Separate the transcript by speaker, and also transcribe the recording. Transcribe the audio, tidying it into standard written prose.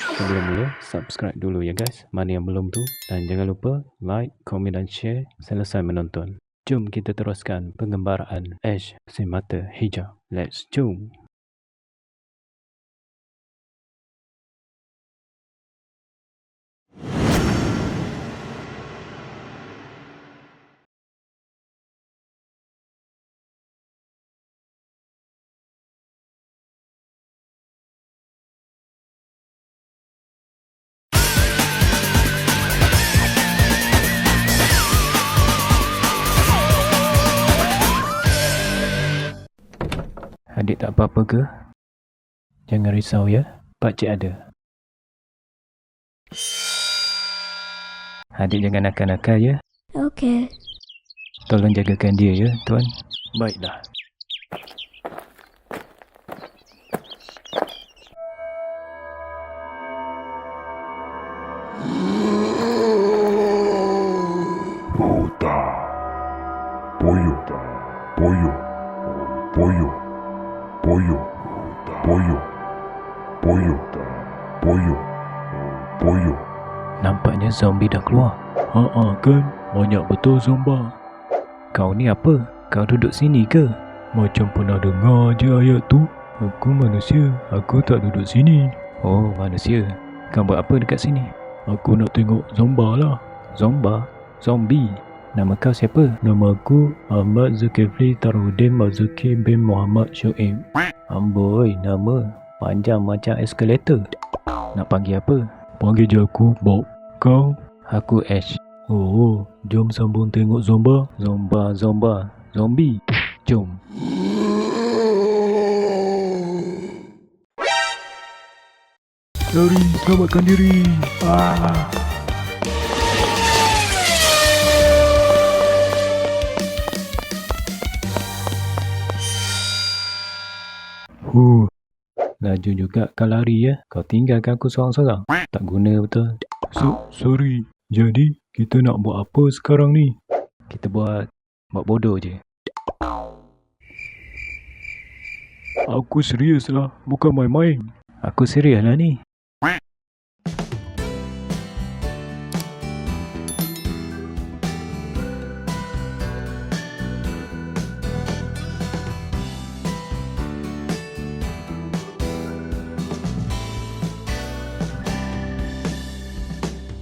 Speaker 1: Sebelum mula, subscribe dulu ya guys, mana yang belum tu. Dan jangan lupa like, komen dan share selesai menonton. Jom kita teruskan penggembaraan Ash si mata hijau. Let's jom. Adik tak apa-apa ke? Jangan risau ya, pakcik ada. Adik jangan nakal-nakal ya.
Speaker 2: Okey.
Speaker 1: Tolong jagakan dia ya, tuan. Baiklah.
Speaker 3: Bota. Pollo. Pollo. Pollo. Pollo. Pollo. Pollo. Pollo. Pollo.
Speaker 1: Nampaknya zombie dah keluar.
Speaker 4: Kan, banyak betul zomba.
Speaker 1: Kau ni apa? Kau duduk sini ke?
Speaker 4: Macam pernah dengar je ayat tu. Aku manusia, aku tak duduk sini.
Speaker 1: Oh, manusia. Kau buat apa dekat sini?
Speaker 4: Aku nak tengok zomba lah.
Speaker 1: Zomba? Zombie? Nama kau siapa?
Speaker 4: Nama aku Ahmad Zulkifli Tarudin Marzuki bin Muhammad Shoaib.
Speaker 1: Amboi, nama panjang macam eskalator. Nak panggil apa?
Speaker 4: Panggil je aku Bob. Kau?
Speaker 1: Aku Ash.
Speaker 4: Oh, jom sambung tengok zomba.
Speaker 1: Zomba. Zombie. Jom.
Speaker 4: Lari, selamatkan diri.
Speaker 1: Laju juga kau lari ya. Kau tinggalkan aku seorang-seorang. Tak guna betul.
Speaker 4: Sorry. Jadi, kita nak buat apa sekarang ni?
Speaker 1: Kita buat bodoh je.
Speaker 4: Aku serius lah, bukan main-main.
Speaker 1: Aku serius lah ni.